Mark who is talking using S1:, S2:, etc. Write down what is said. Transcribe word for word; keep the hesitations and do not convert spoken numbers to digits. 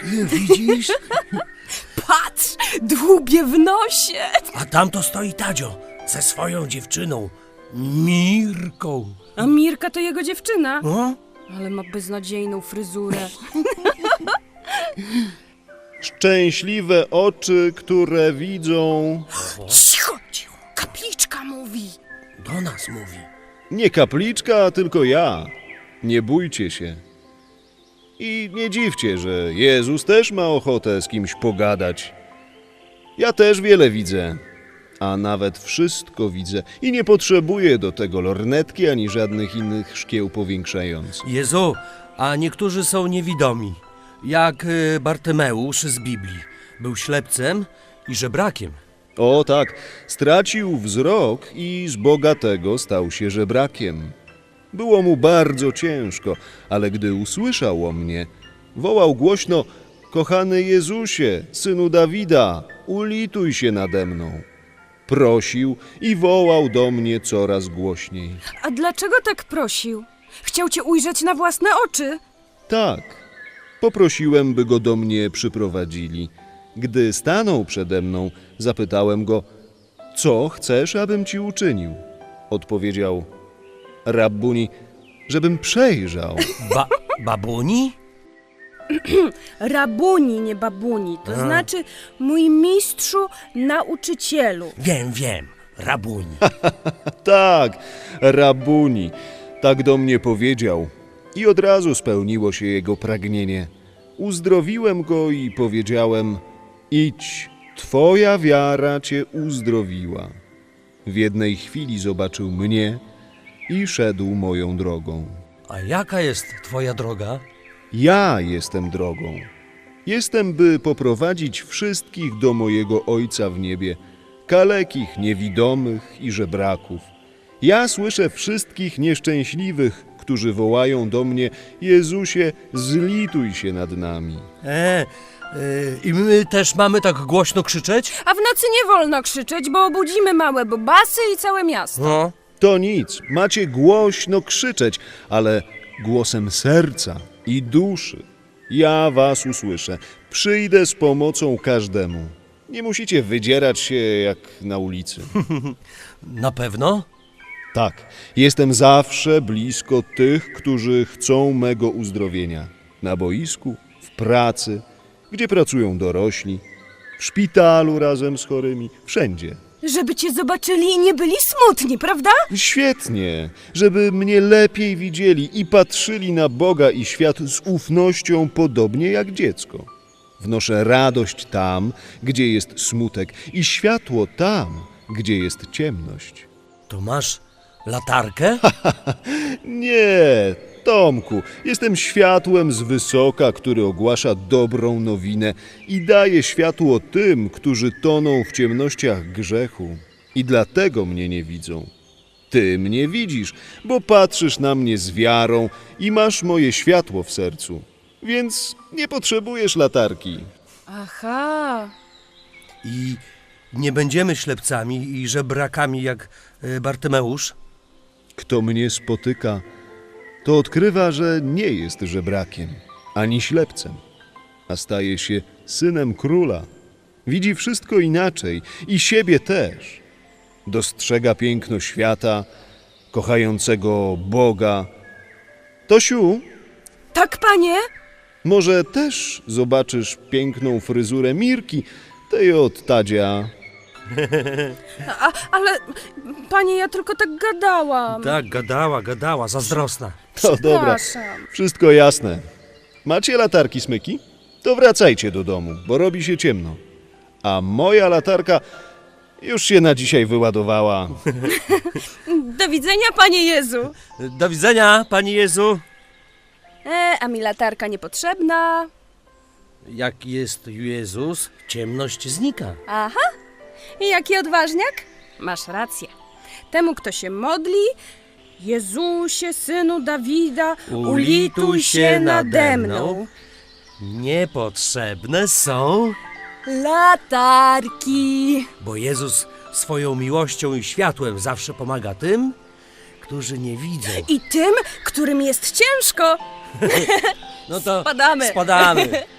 S1: Widzisz?
S2: Patrz, dłubie w nosie.
S1: A tam to stoi Tadzio ze swoją dziewczyną, Mirką.
S2: A Mirka to jego dziewczyna.
S1: O?
S2: Ale ma beznadziejną fryzurę.
S3: Szczęśliwe oczy, które widzą...
S2: Cicho, cicho. Kapliczka mówi.
S1: Do nas mówi.
S3: Nie kapliczka, tylko ja. Nie bójcie się. I nie dziwcie, że Jezus też ma ochotę z kimś pogadać. Ja też wiele widzę, a nawet wszystko widzę i nie potrzebuję do tego lornetki ani żadnych innych szkieł powiększających.
S1: Jezu, a niektórzy są niewidomi, jak y, Bartymeusz z Biblii. Był ślepcem i żebrakiem.
S3: O tak, stracił wzrok i z bogatego stał się żebrakiem. Było mu bardzo ciężko, ale gdy usłyszał o mnie, wołał głośno: kochany Jezusie, synu Dawida, ulituj się nade mną. Prosił i wołał do mnie coraz głośniej.
S2: A dlaczego tak prosił? Chciał cię ujrzeć na własne oczy.
S3: Tak, poprosiłem, by go do mnie przyprowadzili. Gdy stanął przede mną, zapytałem go: co chcesz, abym ci uczynił? Odpowiedział: Rabbuni, żebym przejrzał.
S1: Ba babuni?
S2: Rabuni, nie babuni. To
S1: A.
S2: znaczy mój mistrzu, nauczycielu.
S1: Wiem, wiem, rabuni.
S3: Tak, Rabbuni, tak do mnie powiedział. I od razu spełniło się jego pragnienie. Uzdrowiłem go i powiedziałem: idź, twoja wiara cię uzdrowiła. W jednej chwili zobaczył mnie i szedł moją drogą.
S1: A jaka jest twoja droga?
S3: Ja jestem drogą. Jestem, by poprowadzić wszystkich do mojego Ojca w niebie, kalekich, niewidomych i żebraków. Ja słyszę wszystkich nieszczęśliwych, którzy wołają do mnie: Jezusie, zlituj się nad nami.
S1: E, y, I my też mamy tak głośno krzyczeć?
S2: A w nocy nie wolno krzyczeć, bo obudzimy małe bobasy i całe miasto.
S1: No.
S3: To nic, macie głośno krzyczeć, ale głosem serca i duszy. Ja was usłyszę, przyjdę z pomocą każdemu. Nie musicie wydzierać się jak na ulicy.
S1: Na pewno?
S3: Tak, jestem zawsze blisko tych, którzy chcą mego uzdrowienia. Na boisku, w pracy, gdzie pracują dorośli, w szpitalu razem z chorymi, wszędzie.
S2: Żeby cię zobaczyli i nie byli smutni, prawda?
S3: Świetnie, żeby mnie lepiej widzieli i patrzyli na Boga i świat z ufnością, podobnie jak dziecko. Wnoszę radość tam, gdzie jest smutek, i światło tam, gdzie jest ciemność.
S1: To masz latarkę?
S3: Nie, Tomku, jestem światłem z wysoka, który ogłasza dobrą nowinę i daje światło tym, którzy toną w ciemnościach grzechu. I dlatego mnie nie widzą. Ty mnie widzisz, bo patrzysz na mnie z wiarą i masz moje światło w sercu. Więc nie potrzebujesz latarki.
S2: Aha.
S1: I nie będziemy ślepcami i żebrakami jak y, Bartymeusz?
S3: Kto mnie spotyka, to odkrywa, że nie jest żebrakiem, ani ślepcem, a staje się synem króla. Widzi wszystko inaczej i siebie też. Dostrzega piękno świata, kochającego Boga. Tosiu,
S2: Tak, panie?
S3: może też zobaczysz piękną fryzurę Mirki, tej od Tadzia.
S2: A, ale, panie, ja tylko tak gadałam.
S1: Tak, gadała, gadała, zazdrosna.
S3: To dobra,
S2: Przepraszam.
S3: wszystko jasne. Macie latarki, smyki? To wracajcie do domu, bo robi się ciemno. A moja latarka już się na dzisiaj wyładowała.
S2: Do widzenia, panie Jezu.
S1: Do widzenia, Panie Jezu.
S2: E, a mi latarka niepotrzebna.
S1: Jak jest Jezus, ciemność znika.
S2: Aha. I jaki odważniak? Masz rację. Temu, kto się modli: Jezusie, synu Dawida, ulituj się nade mną.
S1: Niepotrzebne są,
S2: Latarki.
S1: bo Jezus swoją miłością i światłem zawsze pomaga tym, którzy nie widzą.
S2: I tym, którym jest ciężko.
S1: No to
S2: Spadamy.
S1: spadamy.